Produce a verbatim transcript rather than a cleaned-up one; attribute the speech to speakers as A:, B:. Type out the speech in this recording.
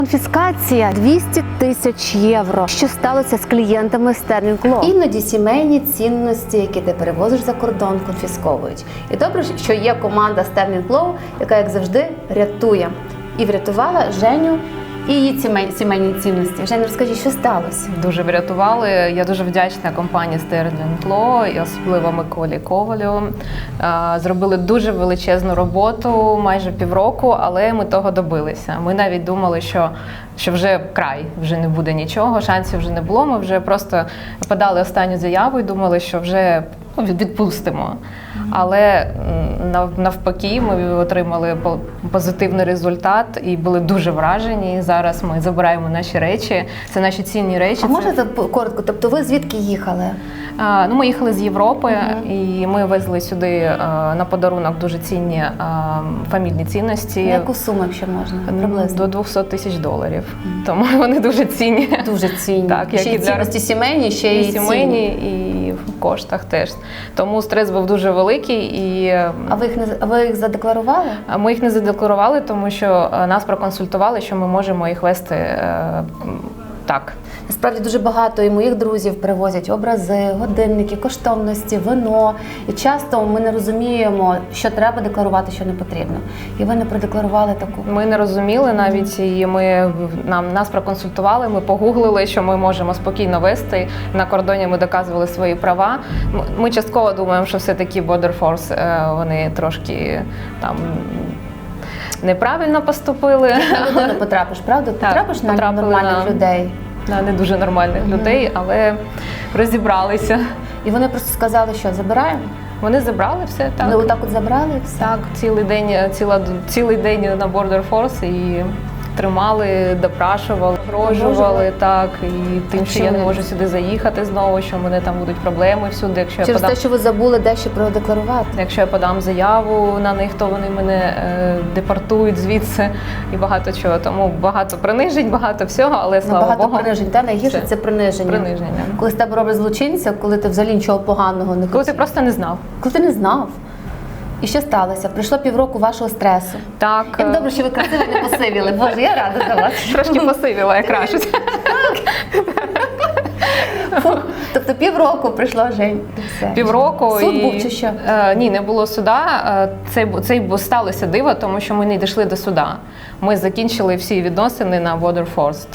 A: Конфіскація двісті тисяч євро. Що сталося з клієнтами Sterling Law? Іноді сімейні цінності, які ти перевозиш за кордон, конфісковують. І добре, що є команда Sterling Law, яка, як завжди, рятує. І врятувала Женю і її сімейні, сімейні цінності. Женя, розкажи, що сталося?
B: Дуже врятували. Я дуже вдячна компанії Sterling Law і особливо Миколі Ковалю. Зробили дуже величезну роботу, майже півроку, але ми того добилися. Ми навіть думали, що, що вже край, вже не буде нічого, шансів вже не було. Ми вже просто подали останню заяву і думали, що вже ну, відпустимо. Але навпаки, ми отримали позитивний результат і були дуже вражені. Зараз ми забираємо наші речі, це наші цінні речі.
A: А можете коротко, тобто ви звідки їхали?
B: А, ну, ми їхали з Європи,
A: uh-huh.
B: і ми везли сюди а, на подарунок дуже цінні а, фамільні цінності.
A: На яку суму, якщо можна? Приблизно?
B: До двохсот тисяч доларів. Uh-huh. Тому вони дуже цінні.
A: Дуже цінні.
B: Так,
A: ще й цінності для... сімейні, ще й
B: сімейні, і в коштах теж. Тому стрес був дуже великий. І...
A: А ви їх не а ви їх задекларували?
B: Ми їх не задекларували, тому що нас проконсультували, що ми можемо їх вести е, так.
A: Насправді дуже багато і моїх друзів привозять образи, годинники, коштовності, вино. І часто ми не розуміємо, що треба декларувати, що не потрібно. І ви не продекларували таку.
B: Ми не розуміли навіть, і ми, нам, нас проконсультували, ми погуглили, що ми можемо спокійно вести. На кордоні ми доказували свої права. Ми частково думаємо, що все-таки Border Force, вони трошки там неправильно поступили.
A: На людину потрапиш, правда?
B: Так,
A: потрапиш на нормальних
B: на...
A: людей.
B: На не дуже нормальних mm-hmm. людей, але розібралися.
A: І вони просто сказали, що забираємо?
B: Вони забрали все, так.
A: Вони отак от забрали все?
B: Так, цілий день, ціла, цілий день на Border Force і тримали, допрашували, погрожували, так, і тим, що я не можу сюди заїхати знову, що в мене там будуть проблеми всюди, якщо
A: через
B: я подам...
A: те, що ви забули дещо продекларувати.
B: Якщо я подам заяву на них, то вони мене е, депортують звідси і багато чого. Тому багато принижень, багато всього, але слава
A: багато
B: Богу.
A: Багато принижень, та найгірше це, це приниження.
B: Приниження.
A: Коли з тебе роблять злочинця, коли ти взагалі нічого поганого не хотів.
B: Коли ти просто не знав.
A: Коли ти не знав. І що сталося? Прийшло півроку вашого стресу.
B: Так.
A: Як добре, що ви красиво не посивіли. Боже, я рада за вас.
B: Трошки посивіла, як кажуть.
A: Тобто півроку прийшло, Жень.
B: Півроку.
A: Суд
B: і...
A: був чи що?
B: Е, ні, не було суда. Це, це сталося диво, тому що ми не дійшли до суда. Ми закінчили всі відносини на Border Force.